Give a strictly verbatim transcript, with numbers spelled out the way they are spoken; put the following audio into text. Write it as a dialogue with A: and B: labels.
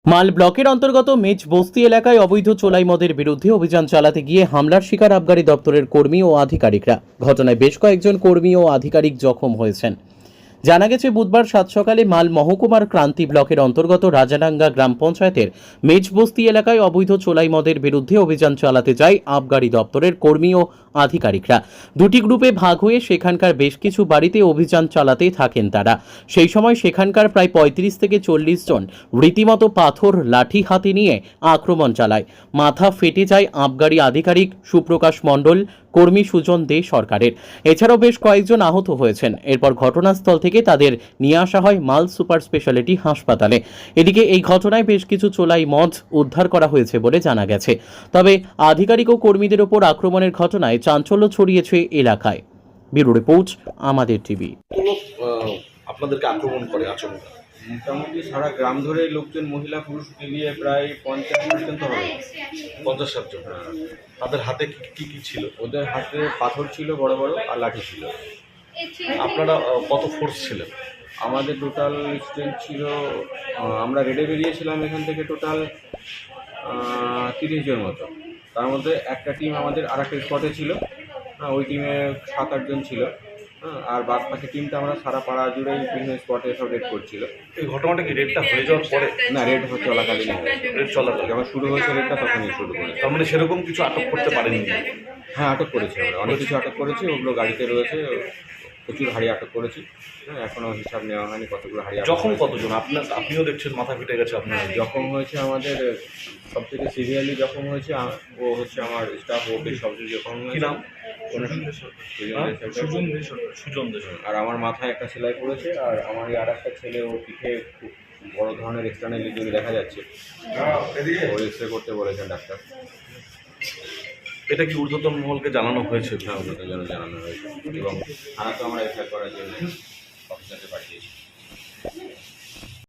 A: মাল ব্লকের অন্তর্গত মেজ বস্তি এলাকায় অবৈধ চোলাই মদের বিরুদ্ধে অভিযান চালাতে গিয়ে হামলার শিকার আবগারি দপ্তরের কর্মী ও আধিকারিকরা। ঘটনায় বেশ কয়েকজন কর্মী ও আধিকারিক জখম হয়েছেন। জানা গেছে, বুধবার সাত সকালে মাল মহকুমার ক্রান্তি ব্লকের অন্তর্গত রাজাডাঙ্গা গ্রাম পঞ্চায়েতের মেজবস্তি এলাকায় অবৈধ চোলাই মদের বিরুদ্ধে অভিযান চালাতে যায় আবগারি দপ্তরের কর্মী ও আধিকারিকরা। দুটি গ্রুপে ভাগ হয়ে সেখানকার বেশ কিছু বাড়িতে অভিযান চালাতে থাকেন তারা। সেই সময় সেখানকার প্রায় পঁয়ত্রিশ থেকে চল্লিশ জন রীতিমতো পাথর লাঠি হাতে নিয়ে আক্রমণ চালায়। মাথা ফেটে যায় আবগারি আধিকারিক সুপ্রকাশ মণ্ডল, কর্মী সুজন দে সরকারের। এছাড়াও বেশ কয়েকজন আহত হয়েছেন। এরপর ঘটনাস্থল থেকে তাদের নিয়ে আসা হয় মাল সুপার স্পেশালিটি হাসপাতালে। এদিকে এই ঘটনায় বেশ কিছু চোলাই মদ উদ্ধার করা হয়েছে বলে জানা গেছে। তবে আধিকারিক ও কর্মীদের ওপর আক্রমণের ঘটনায় চাঞ্চল্য ছড়িয়েছে এলাকায়। ব্যুরো রিপোর্ট, আমাদের টিভি।
B: আপনাদেরকে আক্রমণ করে আচমকা?
C: মোটামুটি সারা গ্রাম ধরে লোকজন, মহিলা পুরুষ মিলিয়ে প্রায় পঞ্চাশ পর্যন্ত হবে।
B: পঞ্চাশ ষাট জন। তাদের হাতে কি কি কি ছিল?
C: ওদের হাতে পাথর ছিল বড় বড়, আর লাঠি ছিল।
B: আপনারা আহ, কত ফোর্স ছিলেন?
C: আমাদের টোটাল স্ট্রেংথ ছিল, আহ, আমরা রেডে বেরিয়েছিলাম এখান থেকে টোটাল তিরিশ জন মতো। তার মধ্যে একটা টিম আমাদের আর একটা স্পটে ছিল, হ্যাঁ, ওই টিমে সাত আটজন ছিল। হ্যাঁ, আর বাদ বাকি টিমটা আমরা সারা পাড়া জুড়েই বিভিন্ন স্পটে সব রেড করছিল।
B: এই ঘটনাটা কি রেডটা হয়ে যাওয়ার পরে?
C: না, রেড হচ্ছে চলাকালীন হয়েছে।
B: রেড চলাকালীন
C: যখন শুরু হয়েছে রেডটা তখনই শুরু করেছে।
B: তার মানে সেরকম কিছু আটক করতে পারেনি?
C: হ্যাঁ, আটক করেছি আমরা, অনেক কিছু আটক করেছি। ওগুলো গাড়িতে রয়েছে, প্রচুর হাড়ি আটক করেছি। হ্যাঁ, এখনও হিসাব নেওয়া হয়নি কতগুলো হাড়ি।
B: যখন কতজন? আপনার আপনিও দেখছেন মাথা ফেটে গেছে আপনার।
C: জখম হয়েছে আমাদের সব থেকে সিভিয়ারলি জখম হয়েছে আ- ও হচ্ছে আমার স্টাফ, ও বেশ সবচেয়ে জখম
B: কি
C: হয়েছে।
B: নাম?
C: সুজন দে সরকার।
B: সুজন দে।
C: আর আমার মাথায় একটা সেলাই পড়েছে, আর আমার এই আর একটা ছেলে, ওর পিঠে খুব বড় ধরনের এক্সটার্নাল ইনজুরি দেখা যাচ্ছে। ও এক্স রে করতে বলেছেন ডাক্তার।
B: এটা কি ঊর্ধ্বতন মহলকে জানানো হয়েছে?
C: হ্যাঁ, ওনাদের জন্য জানানো হয়েছে এবং থানা তো আমরা এফআইআর করার জন্য অফিসারকে পাঠিয়েছি।